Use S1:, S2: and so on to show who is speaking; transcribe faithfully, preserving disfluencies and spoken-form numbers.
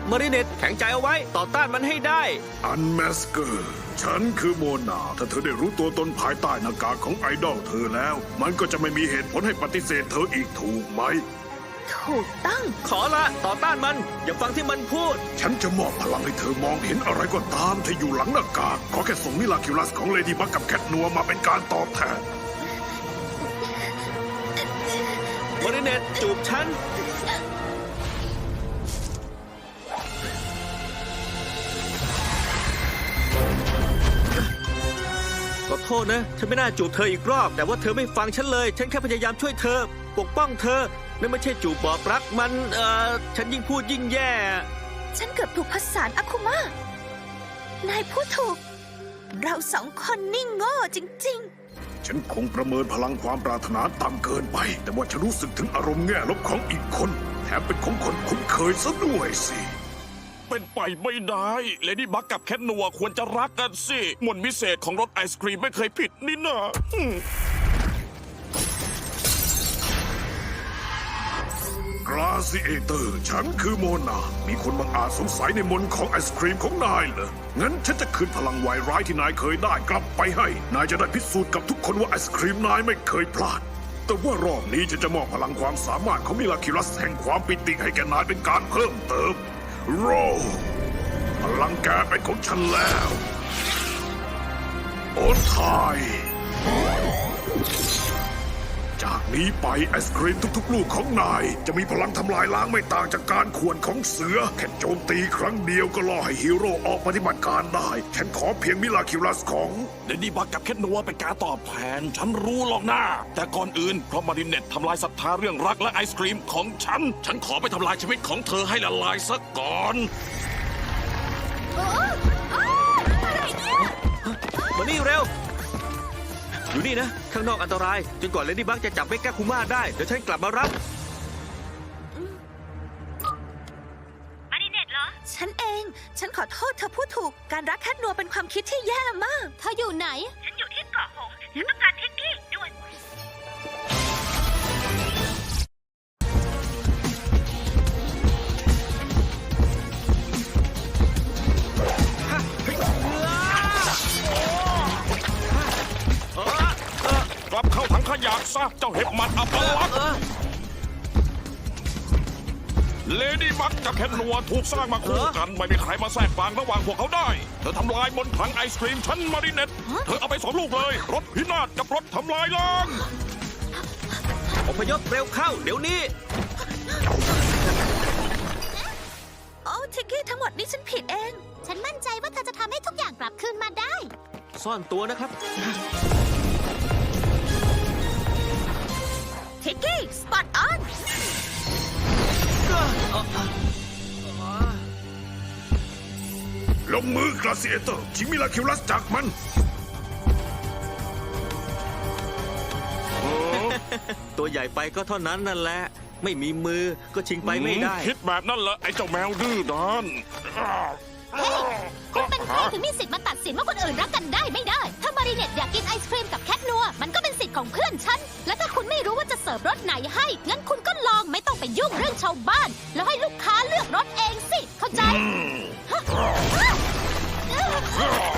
S1: มาริเนตแข็งใจเอาไว้ต่อต้านมันให้ได้
S2: อันแมสเกอร์ฉันคือโมนาถ้าเธอได้รู้ตัวตนภายใต้หน้ากากของไอดอลเธอแล้วมันก็จะไม่มีเหตุผลให้ปฏิเสธเธออีกถูกไหม
S3: ถูกต้อง
S1: ขอละต่อต้านมันอย่าฟังที่มันพูด
S2: ฉันจะมอบพลังให้เธอมองเห็นอะไรก็ตามที่อยู่หลังหน้ากากขอแค่ส่งมิลาคิวลัสของเลดี้บักกับแคทนัวมาเป็นการตอบแทน
S1: มาริเนตจูบฉันขอโทษนะฉันไม่น่าจูบเธออีกรอบแต่ว่าเธอไม่ฟังฉันเลยฉันแค่พยายามช่วยเธอปกป้องเธอนั่นไม่ใช่จูบบอกรักมันเอ่อฉันยิ่งพูดยิ่งแย่
S3: ฉันเกือบถูกผสานอาคุมะนายพูดถูกเราสองคนนี่โง่จริงๆ
S2: ฉันคงประเมินพลังความปรารถนาต่ำเกินไปแต่ว่าฉันรู้สึกถึงอารมณ์แง่ลบของอีกคนแถมเป็นของคนคุ้นเคยซะด้วยสิ
S4: เป็นไปไม่ได้เลดี้บักกับแคทนัวควรจะรักกันสิมนต์วิเศษของรสไอศครีมไม่เคยผิดนี่นะ
S2: กราซิเอเตอร์ฉันคือโมนามีคนบางอาจสงสัยในมนต์ของไอศครีมของนายเหรองั้นฉันจะคืนพลังวายร้ายที่นายเคยได้กลับไปให้นายจะได้พิสูจน์กับทุกคนว่าไอศครีมนายไม่เคยพลาดแต่ว่ารอบนี้ฉันจะมอบพลังความสามารถของมิลาคิลัสแห่งความปิติให้แกนายเป็นการเพิ่มเติมโรพลังแกเป็นของฉันแล้วโอนทายจากนี้ไปไอศครีมทุกๆลูกของนายจะมีพลังทำลายล้างไม่ต่างจากการข่วนของเสือแค่โจมตีครั้งเดียวก็ล่อให้ฮีโร่ออกปฏิบัติการได้ฉันขอเพียงมิลาคิลัสของ
S4: เลดี้บักกับแคทนัวเป็นการตอบแทนฉันรู้หรอกนะแต่ก่อนอื่นเพราะมาริเนตทำลายศรัทธาเรื่องรักและไอศครีมของฉันฉันขอไปทำลายชีวิตของเธอให้ละลายซะก่อน
S1: มานี่เร็วอยู่นี่นะข้างนอกอันตรายจนกว่าเลดี้บักจะจับเมกาคุม่าได้เดี๋ยวฉันกลับมารับ
S3: มาริเนตเหรอฉันเองฉันขอโทษเธอพูดถูกการรักแคทนัวเป็นความคิดที่แย่มากเธออยู่ไหนฉันอยู่ที่เกาะหงส์ฉันต้องการทิกกี้ด่วน
S4: กลับเข้าถังขยะซะเจ้าเห็บหมัดอัปลักษณ์เลดี้บักกับแคทนัวถูกสร้างมาคู่กันไม่มีใครมาแทรกกลางระหว่างพวกเขาได้เธอทำลายบนถังไอศครีมชั้นมาริเนตเธอเอาไปสองลูกเลยรถพินาศกับรถทำลายล้าง
S1: อพยพเร็วเข้าเดี๋ยวนี้
S3: โอ้ทิกกี้ทั้งหมดนี้ฉันผิดเอง
S5: ฉันมั่นใจว่าเธอจะทำให้ทุกอย่างกลับคืนมาได้
S1: ซ่อนตัวนะครับ
S3: ทิกกี้สปอตออน
S2: ลงมือกราซิเอเตอร์ชิงมิลาคิวลัสจากมัน
S1: ตัวใหญ่ไปก็เท่านั้นนั่นแหละไม่มีมือก็ชิงไปไม่ได้
S4: คิดแบบนั้นเหรอไอ้เจ้าแมวดื้อด้าน
S5: เฮ้ยคุณเป็นใครถึงมีสิทธิ์มาตัดสินว่าคนอื่นรักกันได้ไม่ได้ถ้ามาริเนตอยากกินไอศครีมกับแคทนัวมันก็เป็นสิทธิ์ของเพื่อนฉันและถ้าคุณไม่รู้ว่าจะเสิร์ฟรสไหนให้งั้นคุณก็ลองไม่ต้องไปยุ่งเรื่องชาวบ้านแล้วให้ลูกค้าเลือกรสเองสิเข้าใจ